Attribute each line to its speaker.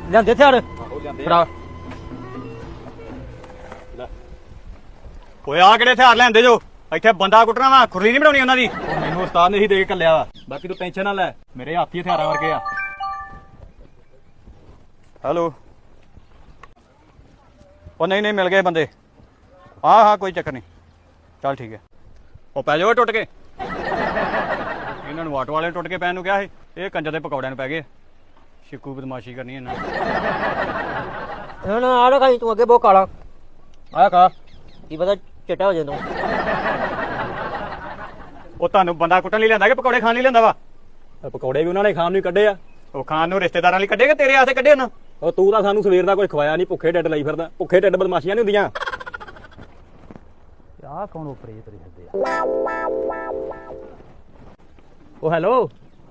Speaker 1: ਲਿਆਂਦੇ ਹਥਿਆਰ ਫੜਾ।
Speaker 2: ਓਏ ਆ ਕਿਹੜੇ ਹਥਿਆਰ ਲੈਂਦੇ ਜੋ? ਇੱਥੇ ਬੰਦਾ ਕੁੱਟਣਾ ਵਾ, ਖੁਰਲੀ ਨਹੀਂ ਬਣਾਉਣੀ ਉਹਨਾਂ ਦੀ। ਮੈਨੂੰ ਉਸਤਾਦ ਨੇ ਹੀ ਦੇ ਕੇ ਘੱਲਿਆ ਵਾ, ਬਾਕੀ ਤੂੰ ਟੈਨਸ਼ਨ ਨਾ ਲੈ, ਮੇਰੇ ਹੱਥ ਹੀ ਹਥਿਆਰਾਂ ਵਰਗੇ ਆ। ਹੈਲੋ। ਉਹ ਨਹੀਂ ਮਿਲ ਗਏ ਬੰਦੇ। ਹਾਂ ਕੋਈ ਚੱਕਰ ਨਹੀਂ, ਚੱਲ ਠੀਕ ਹੈ। ਉਹ ਪੈ ਜਾਓ ਟੁੱਟ ਕੇ। ਇਹਨਾਂ ਨੂੰ ਆਟੋ ਵਾਲੇ ਟੁੱਟ ਕੇ ਪੈਣ ਨੂੰ ਕਿਹਾ ਸੀ, ਇਹ ਕੰਜਰ ਦੇ ਪਕੌੜਿਆਂ ਨੂੰ ਪੈ ਗਏ। ਸ਼ਿਕੂ ਬਦਮਾਸ਼ੀ ਕਰਨੀ ਇਹਨਾਂ
Speaker 1: ਹੁਣ ਆ ਖਾਈ ਤੂੰ ਅੱਗੇ ਬਹੁਤ ਕਾਲਾ
Speaker 2: ਆ ਖਾ।
Speaker 1: ਕੀ ਪਤਾ ਚਿੱਟਾ ਹੋ ਜਾਂਦਾ।
Speaker 2: ਉਹ ਤੁਹਾਨੂੰ ਬੰਦਾ ਕੁੱਟਣ ਲਈ ਲਿਆਂਦਾ ਕਿ ਪਕੌੜੇ ਖਾਣ ਲਈ ਲਿਆਂਦਾ ਵਾ?
Speaker 3: ਪਕੌੜੇ ਵੀ ਉਹਨਾਂ ਨੇ ਖਾਣ ਨੂੰ ਕੱਢੇ ਆ।
Speaker 2: ਉਹ ਖਾਣ ਨੂੰ ਰਿਸ਼ਤੇਦਾਰਾਂ ਲਈ ਕੱਢੇ ਕਿ ਤੇਰੇ ਆਸੇ ਕੱਢੇ ਉਹਨਾਂ?
Speaker 3: ਉਹ ਤੂੰ ਤਾਂ ਸਾਨੂੰ ਸਵੇਰ ਦਾ ਕੁਝ ਖਵਾਇਆ ਨਹੀਂ, ਭੁੱਖੇ ਢਿੱਡ ਲਈ ਫਿਰਦਾ। ਭੁੱਖੇ ਢਿੱਡ ਬਦਮਾਸ਼ੀਆਂ ਨਹੀਂ ਹੁੰਦੀਆਂ।
Speaker 1: ਆਹ ਕੌਣ ਉਪਰੇ ਤੁਰੇ ਫਿਰਦੇ ਆ?
Speaker 3: ਉਹ ਹੈਲੋ।